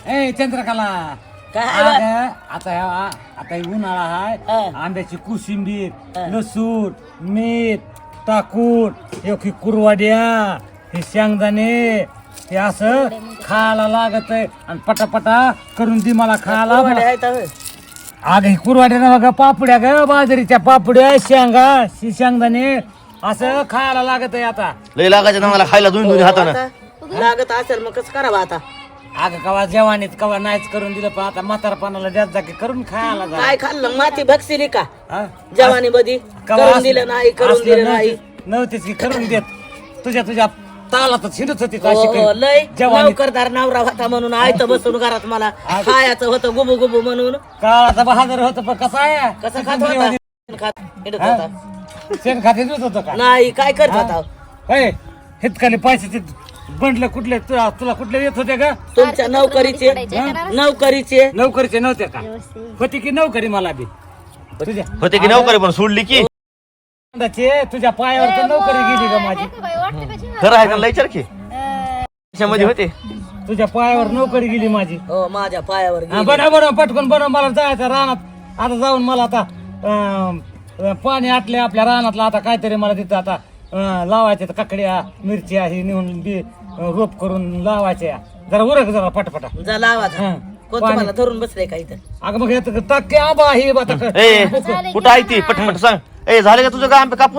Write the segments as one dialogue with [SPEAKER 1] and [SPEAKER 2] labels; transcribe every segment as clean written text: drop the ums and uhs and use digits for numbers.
[SPEAKER 1] ए चंद्रकला
[SPEAKER 2] काय
[SPEAKER 1] आता उन्हाळा आहे आंब्याची कोशिंबीर लसूण मीठ टाकून एक कुरवाड्या हे शेंगदाणे हे असं खायला लागत आहे आणि पटापटा करून दे मला खायला अगं ही कुरवाड्या ना बघा पापड्या ग बाजरीच्या पापड्या शेंगदाणे असं खायला लागत आहे आता
[SPEAKER 3] लय लागायचं ना मला खायला दोन्ही हातानं
[SPEAKER 2] लागत असेल मग कसं करावं आता
[SPEAKER 1] अगं कवा जेवानीत कवा नाहीच करून दिलं पण आता म्हातारपणाला द्यात जा की करून खायला जा
[SPEAKER 2] काय खाल्लं माती भक्सिली का
[SPEAKER 1] हा?
[SPEAKER 2] जवानी मध्ये करून दिलं नाही करून दिलं नाही
[SPEAKER 1] नव्हतीच की करून देत तुझ्या तालातच हिंडत होती
[SPEAKER 2] लय
[SPEAKER 1] जवानी
[SPEAKER 2] नोकरदार नवरा होता म्हणून आयत बसून घरात मला खायचं होतं गुबू गुबू म्हणून
[SPEAKER 1] काळाचा बहादर होत पण कसा आहे
[SPEAKER 2] कसं खात होता हिंडत होता
[SPEAKER 1] शेण खाते देत होतं का
[SPEAKER 2] नाही काय करत होता
[SPEAKER 1] हे हितकाले पैसे बंडलं कुठले तुला कुठले येत होते का
[SPEAKER 2] तुमच्या नोकरीचे
[SPEAKER 1] नोकरीचे नव्हते का होती की नोकरी मला बी तुझ्या
[SPEAKER 3] होते की नोकरी पण सोडली की
[SPEAKER 1] तुझ्या पायावर तर नोकरी गेली का माझी
[SPEAKER 3] खरं आहे का लय विचार की त्याच्यामध्ये होते
[SPEAKER 1] तुझ्या पायावर नोकरी गेली माझी
[SPEAKER 2] हो माझ्या पायावर गेली.
[SPEAKER 1] बनव पटकन बनव मला जायचं रानात आता जाऊन मला आता पाणी आटले आपल्या रानातला आता काहीतरी मला तिथं आता लावायचे काकड्या मिरच्या हे नेऊन बी रोप करून लावायच्या जरा उरक जरा पटपटा
[SPEAKER 2] जा लावा जा. कोण तुम्हाला धरून बसले का इथं
[SPEAKER 1] अगं मग हे टाके आबा हे
[SPEAKER 3] ए कुठं आहे ती पटपट सांग ए झाले का तुझं काम कापून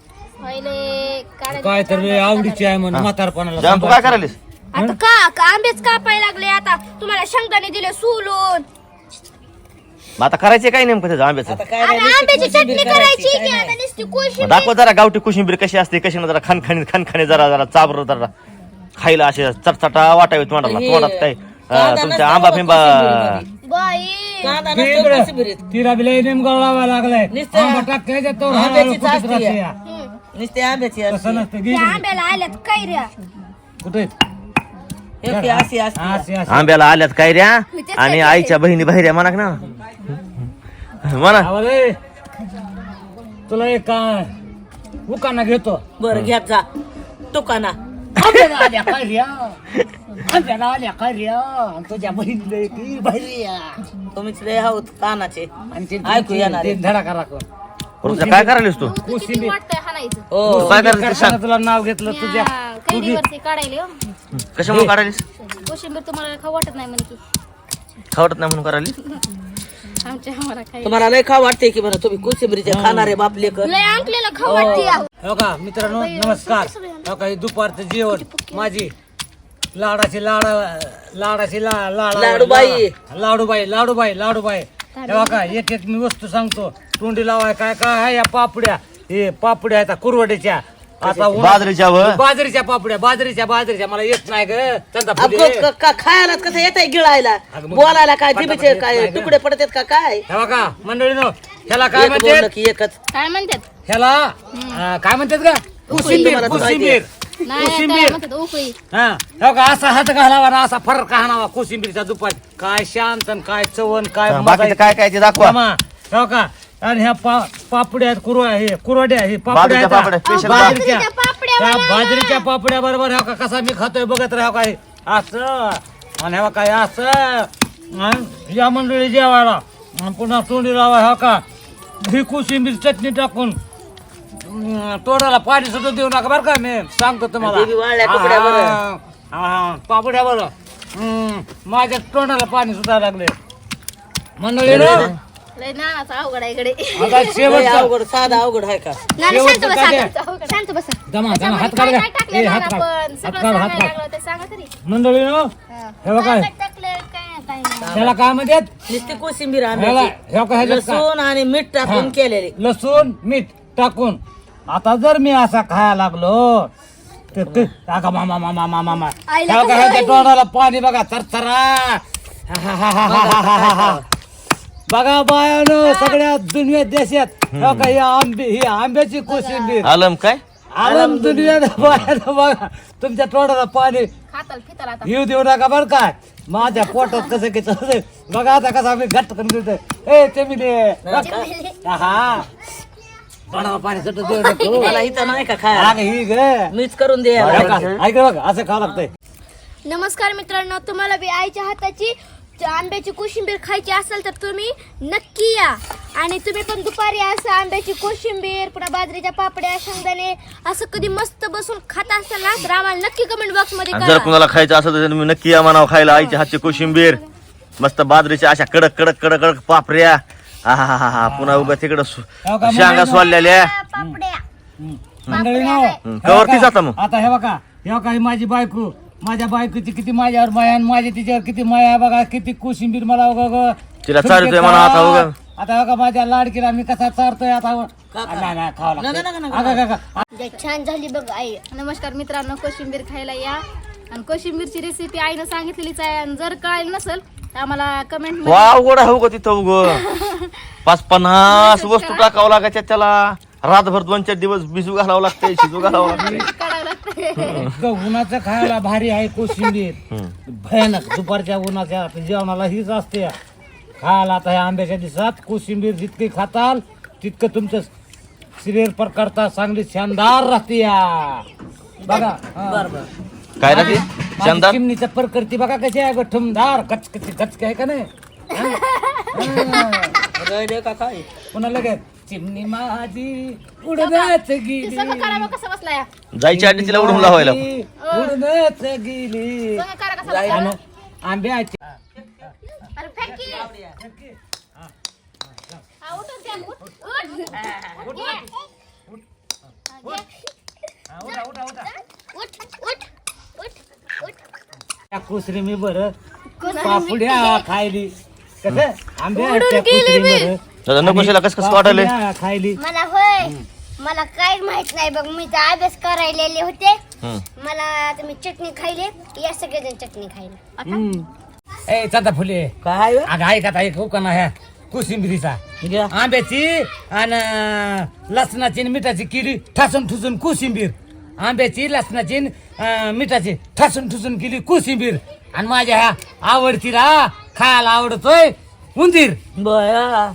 [SPEAKER 1] काय तर आवडीची आहे म्हणून म्हातारपणाला
[SPEAKER 3] जाम तू काय करायलीस
[SPEAKER 4] आता का आंबेच कापाय लागले आता तुम्हाला शेंगदाणे दिले सोलून
[SPEAKER 3] मग आता करायचे काय नेमकं त्याचं आंब्याचं
[SPEAKER 2] आता काय
[SPEAKER 4] अरे
[SPEAKER 2] नाही,
[SPEAKER 4] आंब्याची
[SPEAKER 2] नुसती
[SPEAKER 4] चटणी
[SPEAKER 2] कोशिंबीर
[SPEAKER 4] करायची
[SPEAKER 2] काय
[SPEAKER 4] की
[SPEAKER 2] नाही.
[SPEAKER 4] आता नुसती कोशिंबीर
[SPEAKER 3] दाखव जरा गावठी कोशिंबीर कशी असते कशी ना जरा खणखणी जरा चाबर जरा खायला असे चटचटा वाटावी तोंडात काय तुमच्या आंबा फिंबा
[SPEAKER 4] बाई
[SPEAKER 2] कांदा नसतो कोशिंबीरीत.
[SPEAKER 1] तिला बी लय नेमकं लावायला लागलाय
[SPEAKER 2] नुसतं
[SPEAKER 1] आंबा टाकायचा तो
[SPEAKER 2] आंब्याचीच
[SPEAKER 1] हळूहळू
[SPEAKER 2] असते
[SPEAKER 1] फुटत
[SPEAKER 2] या.
[SPEAKER 1] राहते.
[SPEAKER 2] नुसते आंब्याची असते.
[SPEAKER 1] तसं नसतं
[SPEAKER 4] त्या आंब्याला आल्यात कैऱ्या
[SPEAKER 1] कुठे
[SPEAKER 2] हे की अशी असते.
[SPEAKER 1] अशी
[SPEAKER 3] आंब्याला आल्यात कैऱ्या आणि आईच्या बहिणी बहिऱ्या म्हणा ना म्हणा
[SPEAKER 1] आवाज आहे. तुला एक उकाना घेतो
[SPEAKER 2] बरं घ्या जा दुकाना
[SPEAKER 1] आंब्याला आल्या कैऱ्या आंब्याला आल्या कैऱ्या आणि तुझ्या बहिणीला एक बहिऱ्या
[SPEAKER 2] तुम्हीच लय आहोत कानाचे
[SPEAKER 1] आणि ते
[SPEAKER 2] ऐकू येणार आहे.
[SPEAKER 1] धडाका राखून
[SPEAKER 3] तुझं काय करायलीस तू
[SPEAKER 4] किती वाटतंय हाणायचं
[SPEAKER 2] हो
[SPEAKER 3] तू काय करायलीस ते
[SPEAKER 1] करताना
[SPEAKER 3] सांग
[SPEAKER 1] तुला नाव घेतलं तुझ्या
[SPEAKER 4] कैरीवरती काढायले हो
[SPEAKER 3] कशामुळे काढायलीस
[SPEAKER 4] कोशिंबीर तुम्हाला खाऊ वाटत नाही म्हणे की
[SPEAKER 3] खावटत नाही म्हणून करायली
[SPEAKER 4] आम्हाला काही
[SPEAKER 2] तुम्हाला लय खा वाटते की बरं तुम्ही कोशिंबीरचे खाणारे बाप लेकर
[SPEAKER 4] लय अंकलेला खाऊ वाटते आहो.
[SPEAKER 1] हो का मित्रांनो नमस्कार हो का हे दुपारचं जेवण माझी लाडाची लाडूबाई तेव्हा का एक मी वस्तू सांगतो तोंडी लावाय काय काय आहे या पापड्या हे पापड्या आहेत कुरवड्याच्या आता
[SPEAKER 3] बाजरीच्या व
[SPEAKER 1] बाजरीच्या पापड्या बाजरीच्या मला येत नाही ग त्यांचा फुले.
[SPEAKER 2] खायला कसं येत आहे गिळायला
[SPEAKER 1] अगं मग
[SPEAKER 2] बोलायला काय जिभेचे
[SPEAKER 1] पटापट
[SPEAKER 2] काय
[SPEAKER 1] येत नाही
[SPEAKER 2] तुकडे पडतात का काय
[SPEAKER 1] तेव्हा का मंडळीनो ह्याला काय
[SPEAKER 2] एक बोललं
[SPEAKER 1] म्हणतात
[SPEAKER 2] की एकच
[SPEAKER 4] काय म्हणतात
[SPEAKER 1] ह्याला काय म्हणतात का
[SPEAKER 2] तुम्हाला तर माहिती आहे.
[SPEAKER 4] नाही काय
[SPEAKER 1] कोशिंबीर
[SPEAKER 4] म्हणतात उकळी
[SPEAKER 1] हा हो का असा हात घालावा ना असा फरक हाणावा कोशिंबीरचा दुपार काय शांत आणि काय चवण काय मजा
[SPEAKER 3] बाकीचं
[SPEAKER 1] येते.
[SPEAKER 3] काय काय ते दाखवा
[SPEAKER 1] मामा, हो का आणि ह्या पापड्या आहेत कुरवड्या हे पापड्या
[SPEAKER 3] बाजरीच्या
[SPEAKER 1] आहेत
[SPEAKER 3] पापड्या,
[SPEAKER 1] हा.
[SPEAKER 3] special
[SPEAKER 1] बाजरीच्या
[SPEAKER 4] बाजरीच्या पापड्या
[SPEAKER 1] त्या
[SPEAKER 4] बनवल्या.
[SPEAKER 1] बाजरीच्या पापड्या बरोबर हो का कसा मी खातोय बघत राहा काय असं आणि हो काय असं आणि या मंडळी जेवायला आणि पुन्हा तोंडी लावा हो का ही कोशिंबीर चटणी टाकून तोंडाला पाणी सुद्धा देऊ नका बरं का मी सांगतो तुम्हाला
[SPEAKER 2] देवी वाळल्या कपड्या बरं.
[SPEAKER 1] पापड्या बरं माझ्या तोंडाला पाणी सुद्धा लागले मंडळी
[SPEAKER 4] लय नानाचा अवघड आहे इकडे
[SPEAKER 1] आता
[SPEAKER 2] लय
[SPEAKER 1] शेवटचा
[SPEAKER 2] अवघड साधा अवघड आहे का
[SPEAKER 4] नाना शांत
[SPEAKER 1] शेवटचं
[SPEAKER 4] बसा
[SPEAKER 1] काय
[SPEAKER 4] आता. शांत बसा
[SPEAKER 1] जमा जमा हात
[SPEAKER 4] काय
[SPEAKER 1] काढ
[SPEAKER 4] काय टाकले
[SPEAKER 1] ए, हात
[SPEAKER 4] नाना
[SPEAKER 1] काढ
[SPEAKER 4] पण
[SPEAKER 1] हात
[SPEAKER 4] सगळं
[SPEAKER 1] काढ हात
[SPEAKER 4] सांगायला
[SPEAKER 1] काढ
[SPEAKER 4] लागलं ते सांगा तरी
[SPEAKER 1] मंडळी हे बघा
[SPEAKER 4] काय टाकले काय नाही
[SPEAKER 1] त्याला काय म्हणतात
[SPEAKER 2] नुसती कोशिंबीर
[SPEAKER 1] ह्याला
[SPEAKER 2] आंब्याची
[SPEAKER 1] ह्या काय ह्याच्यात
[SPEAKER 2] लसूण आणि मीठ टाकून केलेले
[SPEAKER 1] लसूण मीठ टाकून आता जर मी असा खायला लागलो तर मामा मामा मामा मामा
[SPEAKER 4] आईला
[SPEAKER 1] ह्या काय ह्याच्या तोंडाला पाणी बघा थरथरा बघा बायानो सगळ्या दुनिया देशात ह्या काय ही आंब्याची कोशिंबीर
[SPEAKER 3] आलम काय
[SPEAKER 1] आलम दुनिया बायानो बघा तुमच्या तोंडाला पाणी
[SPEAKER 4] खाताल फिताल आता
[SPEAKER 1] येऊ देऊ नका बरं काय माझ्या पोटात कसं की चाललंय बघा आता कसं आम्ही घट्ट करून देतोय ए ते मी दे हा तोंडाला पाणी सुटत देऊ नको
[SPEAKER 2] मला इथं नाही का खायला
[SPEAKER 1] अगं ही ग
[SPEAKER 2] मीच करून दे
[SPEAKER 1] ऐक बघ असं खावं लागतंय
[SPEAKER 4] नमस्कार मित्रांनो, तुम्हाला बी आईच्या हाताची आंब्याची कोशिंबीर खायची असेल तर तुम्ही नक्की या. आणि तुम्ही पण दुपारी असं आंब्याची कोशिंबीर, पुन्हा बाजरीच्या पापड्या, शेंगदाणे असं कधी मस्त बसून खात असाल ना तर आम्हाला नक्की कमेंट बॉक्स मध्ये
[SPEAKER 3] आणि जर
[SPEAKER 4] करा.
[SPEAKER 3] कुणाला खायचं असेल तर तुम्ही नक्की या म्हणावं खायला आईच्या हातची कोशिंबीर, मस्त बाजरीच्या अशा कडक कडक कडक कडक पापऱ्या. हा पुन्हा उगा तिकडं शेंगा सोललेल्या.
[SPEAKER 1] मंडळीनो,
[SPEAKER 3] कवरती जाता मग.
[SPEAKER 1] आता हे बघा, हे बघा, ही माझी बायको, माझ्या बायकोची किती माझ्यावर माया आणि माझी तिच्यावर किती माया आहे बघा. किती कोशिंबीर मला
[SPEAKER 3] तिला चालतोय म्हणा आता उगा.
[SPEAKER 1] आता बघा माझ्या लाडकीला मी कसा चारतोय आता. नाही खावं लागतं.
[SPEAKER 4] छान झाली बघ आई.
[SPEAKER 5] नमस्कार मित्रांनो, कोशिंबीर खायला या. आणि कोशिंबीरची रेसिपी आईनं सांगितलेलीच आहे. आणि जर कळाली नसेल तर आम्हाला कमेंट
[SPEAKER 3] वा उघड हो ग तिथं उग 50-50 वस्तू टाकावं लागायच्या त्याला. रातभर 2-4 दिवस भिजू घालावं लागतंय, शिजू घालावं लागतंय.
[SPEAKER 5] काढावं लागतं.
[SPEAKER 1] इतकं उन्हाचं खायला भारी आहे कोशिंबीर. भयानक दुपारच्या उन्हाच्या जेवणाला हीच असते खायला. आता ह्या आंब्याच्या दिवसात कोशिंबीर जितकी खाताल तितकं तुमचं शरीर प्रकारता चांगली शानदार राहते या. बघा
[SPEAKER 3] काय राहते शानदार.
[SPEAKER 1] चिमणीचं प्रकृती बघा कशी आहे ठुमदार कचकच आहे का नाही.
[SPEAKER 2] का काय
[SPEAKER 1] पुन्हा लगेच चिमणी माझी उडण्याच गेली,
[SPEAKER 5] संग करा मग कसं बसलाय.
[SPEAKER 3] जायच्या आधी तिला उडून लावायला.
[SPEAKER 1] उडण्याच गेली
[SPEAKER 5] संग करा कसं बसलाय.
[SPEAKER 1] आणि आंब्याची
[SPEAKER 5] अरे फेक की. हा, उठून द्या, उठ, उठ.
[SPEAKER 1] त्या कुसरी मी बरं पापड्या खायली कसं आंब्याच्या कुसरी बरं
[SPEAKER 3] दादा नकोशीला कसं कसं वाटायलंय.
[SPEAKER 1] पापड्या खायली.
[SPEAKER 4] मला होय, मला काहीच माहित नाही बघ. मी तर अभ्यास करायलेले होते. मला तुम्ही चटणी खायले, या सगळेजण चटणी खायला.
[SPEAKER 1] ए चांदा फुले
[SPEAKER 2] काय
[SPEAKER 1] अगं ऐका आता एक हुकाना ह्या कोशिंबिरीचा
[SPEAKER 2] घ्या.
[SPEAKER 1] आंब्याची आणि लसणाची आणि मिठाची किडी ठासून ठुसून कोशिंबीर. आंब्याची लसणाची आणि, मिठाची ठासून ठुसून केली कोशिंबीर. आणि माझ्या ह्या आवडतीला खायला आवडतोय उंदीर.
[SPEAKER 2] बया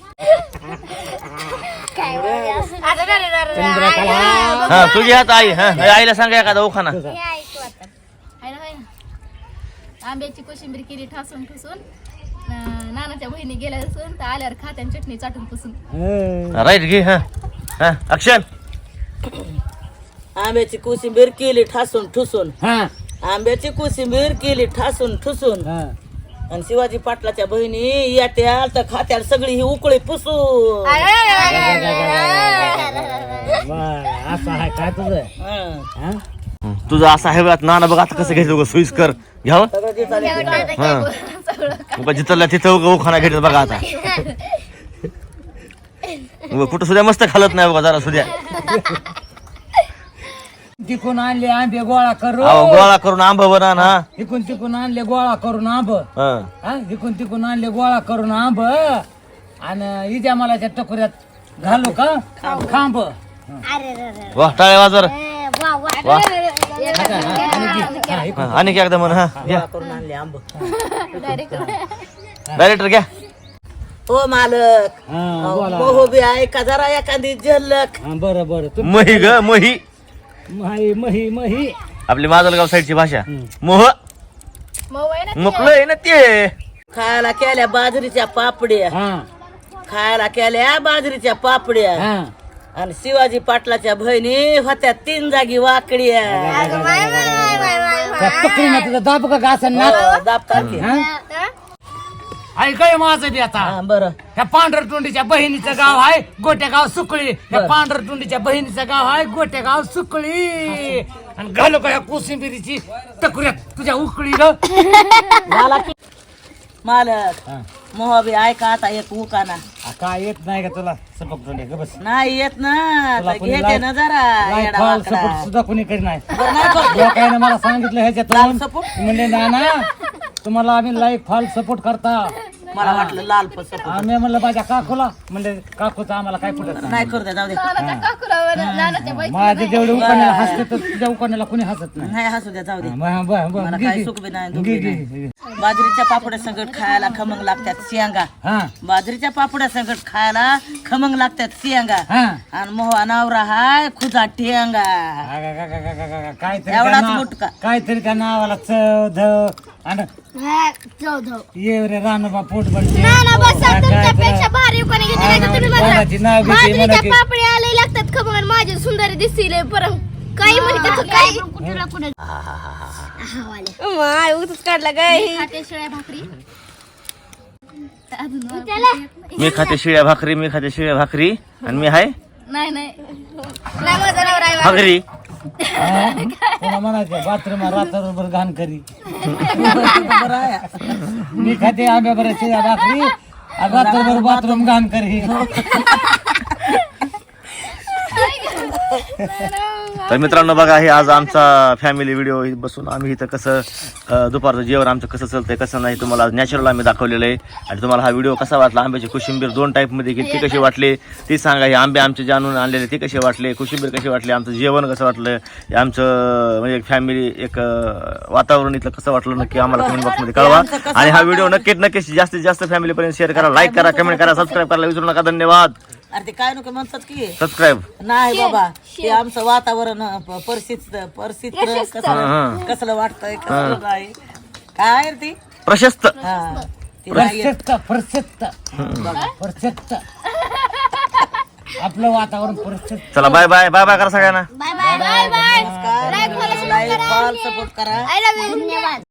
[SPEAKER 3] हा तुझी हात आई. हा आईला सांगा एखादा उखाना.
[SPEAKER 5] आहे ना, होय ना. आंब्याची कोशिंबीर केली ठासून ठुसून. नानाच्या बहिणी गेल्या असून तर आल्यावर खात्यान चटणी चाटून पुसून.
[SPEAKER 3] राईट घे. हा हा ऍक्शन.
[SPEAKER 2] आंब्याची कोशिंबीर केली ठासून ठुसून.
[SPEAKER 1] हा
[SPEAKER 2] आंब्याची कोशिंबीर केली ठासून ठुसून.
[SPEAKER 1] हा.
[SPEAKER 2] आणि शिवाजी पाटलाच्या बहिणी येत्या तर खात्याला सगळी ही उकळी पुसून.
[SPEAKER 1] बरं, असं आहे काय तुझं.
[SPEAKER 2] हं.
[SPEAKER 1] हा?
[SPEAKER 3] तुझं असं आहे बघ नाना बघ आता कसं घ्यायचं सोयीस्कर घ्यावं.
[SPEAKER 2] सगळं जे चालेल ते करा.
[SPEAKER 3] हा जिथं तिथं उखाना घ्यायचं बघा आता. उगा कुठं सुद्धा मस्त खालत नाही बघा जरा सुद्धा.
[SPEAKER 1] तिकून आणले आंबे गोळा करून.
[SPEAKER 3] अहो गोळा करून आंबा बना ना.
[SPEAKER 1] इकून तिकून आणले गोळा करून आंब.
[SPEAKER 3] हा
[SPEAKER 1] इकून तिकून आणले गोळा करून आंब. आणि इजा मलाच्या टकोऱ्यात घालू का खांब.
[SPEAKER 3] वा टाळे वाजर. वा
[SPEAKER 1] हा, इकून.
[SPEAKER 3] हा, आणि एकदा म्हण. हा घ्या
[SPEAKER 2] गोळा करून आणले आंब.
[SPEAKER 3] डायरेक्टर घ्या.
[SPEAKER 2] हो मालक,
[SPEAKER 1] हा, बोला.
[SPEAKER 2] मोहो बी आहे का जरा एखादी झलक.
[SPEAKER 1] हा, बरं बरं तू
[SPEAKER 3] मही ग मही.
[SPEAKER 1] मही मही मही.
[SPEAKER 3] आपली माजलगाव साईडची भाषा. मोह
[SPEAKER 5] मऊ आहे ना.
[SPEAKER 3] मुकलं आहे ना ते.
[SPEAKER 2] खायला केल्या बाजरीच्या पापड्या.
[SPEAKER 1] हा
[SPEAKER 2] खायला केल्या बाजरीच्या पापड्या.
[SPEAKER 1] हा.
[SPEAKER 2] आणि शिवाजी पाटलाच्या बहिणी होत्या 3 जागी वाकड्या.
[SPEAKER 1] त्या पकडीनं तुझं दाब का असं नाक.
[SPEAKER 2] दाबतात की.
[SPEAKER 1] ऐकाय माझं बी आता.
[SPEAKER 2] हा, बरं
[SPEAKER 1] ह्या पांढरतोंडीच्या बहिणीचं गाव आहे गोट्यागाव सुकळी. ह्या पांढरतोंडीच्या बहिणीचं गाव आहे गोट्यागाव सुकळी. आणि घालू का ह्या कोशिंबिरीची टकुऱ्यात तुझ्या उकळी ग.
[SPEAKER 2] झाला की मालक. मोह बी ऐका आता एक उकाना.
[SPEAKER 1] काय येत नाही का तुला सपक तोंडे ग बस.
[SPEAKER 2] नाही येत ना
[SPEAKER 1] तुला
[SPEAKER 2] तर
[SPEAKER 1] कोणी
[SPEAKER 2] घेते ना जरा
[SPEAKER 1] लाईफ
[SPEAKER 2] येडा
[SPEAKER 1] फॉल
[SPEAKER 2] वाकडा.
[SPEAKER 1] सपोर्ट सुद्धा कोणी करी नाही.
[SPEAKER 2] बरं नाही करत.
[SPEAKER 1] लोकांनी मला सांगितलं ह्याच्यातून
[SPEAKER 2] लाल सपोर्ट?
[SPEAKER 1] म्हणजे नाना तुम्हाला आम्ही लाईफ फॉल सपोर्ट करता
[SPEAKER 2] मला वाटलं लाल सपोट
[SPEAKER 1] आम्ही म्हणलं माझ्या काकूला म्हणले काकूचं आम्हाला काय पटत
[SPEAKER 2] नाही करू द्या, जाऊ दे.
[SPEAKER 5] नानाच्या काकुरावर नानाच्या बाईक
[SPEAKER 1] माझे जेवढे उकाण्याला हसते तर तुझ्या उकाण्याला कोणी हसत नाही
[SPEAKER 2] नाही हसू द्या, जाऊ दे.
[SPEAKER 1] मला
[SPEAKER 2] काही सुख बी नाही, दुख बी नाही. बाजरीच्या पापड्या संगट खायला खमंग लागतात शेंगा.
[SPEAKER 1] हा
[SPEAKER 2] बाजरीच्या पापड्या संगट खायला खमंग लागतात शेंगा.
[SPEAKER 1] हा
[SPEAKER 2] आणि मोहा नवरा हाय खुदा टेंगा.
[SPEAKER 1] काहीतरी
[SPEAKER 2] एवढाच
[SPEAKER 1] त्या ना-
[SPEAKER 2] मुटका.
[SPEAKER 1] काहीतरी त्या नावाला चव धव आणि ये रे रानोबा पोट बनते
[SPEAKER 4] नाना बसा तुमच्यापेक्षा भारी कोणी घेतली नाही तर तुम्ही
[SPEAKER 1] कोणाची नाव
[SPEAKER 4] म्हणा
[SPEAKER 1] घेते
[SPEAKER 4] बाजरीच्या
[SPEAKER 1] म्हणा की-
[SPEAKER 4] पापडी आले लागतात खबर माझे सुंदर दिसले परम काही म्हणतात काही माय उगच काढला काय
[SPEAKER 5] खाते शिळ्या भाकरी अजून
[SPEAKER 3] मी खाते शिळ्या भाकरी, मी खाते शिळ्या भाकरी आणि मी हाय
[SPEAKER 5] नाही
[SPEAKER 4] नाही माझा नवरा आहे.
[SPEAKER 3] भाकरी.
[SPEAKER 1] कोणा म्हणायचं बाथरूम रात्रभर घाण करी मी खाते आंब्या बऱ्याच भाकरी आणि रात्रभर बाथरूम घाण करी
[SPEAKER 3] तर मित्रांनो बघा, हे आज आमचा फॅमिली व्हिडिओ बसून आम्ही इथं कसं दुपारचं जेवण आमचं कसं चालतंय कसं नाही तुम्हाला नॅचरल आम्ही दाखवलेलं आहे. आणि तुम्हाला हा व्हिडिओ कसा वाटला, आंब्याची कोशिंबीर 2 टाईपमध्ये ती कशी वाटली ती सांगा. हे आंबे आमचे जाणून आणलेले ते कसे वाटले, कोशिंबीर कशी वाटली, आमचं जेवण कसं वाटलं, हे आमचं म्हणजे एक फॅमिली एक वातावरण इथलं कसं वाटलं नक्की आम्हाला कमेंट बॉक्समध्ये कळवा. आणि हा व्हिडिओ नक्कीच जास्तीत जास्त फॅमिलीपर्यंत शेअर करा, लाईक करा, कमेंट करा, सबस्क्राईब करायला विसरू नका. धन्यवाद.
[SPEAKER 2] अरे ते काय नको म्हणतात की
[SPEAKER 3] सबस्क्राईब.
[SPEAKER 2] नाही बाबा, ते आमचं वातावरण कसलं वाटतंय कसलं नाही काय रे ती.
[SPEAKER 3] प्रशस्त.
[SPEAKER 2] हा ती नाही येत.
[SPEAKER 1] प्रशस्त आपलं वातावरण प्रशस्त.
[SPEAKER 3] चला बाय बाय बाय बाय करा सगळ्यांना.
[SPEAKER 4] बाय बाय बाय बाय
[SPEAKER 2] नमस्कार. लाईक फॉलो सपोर्ट करा.
[SPEAKER 4] आय लव्ह यू धन्यवाद.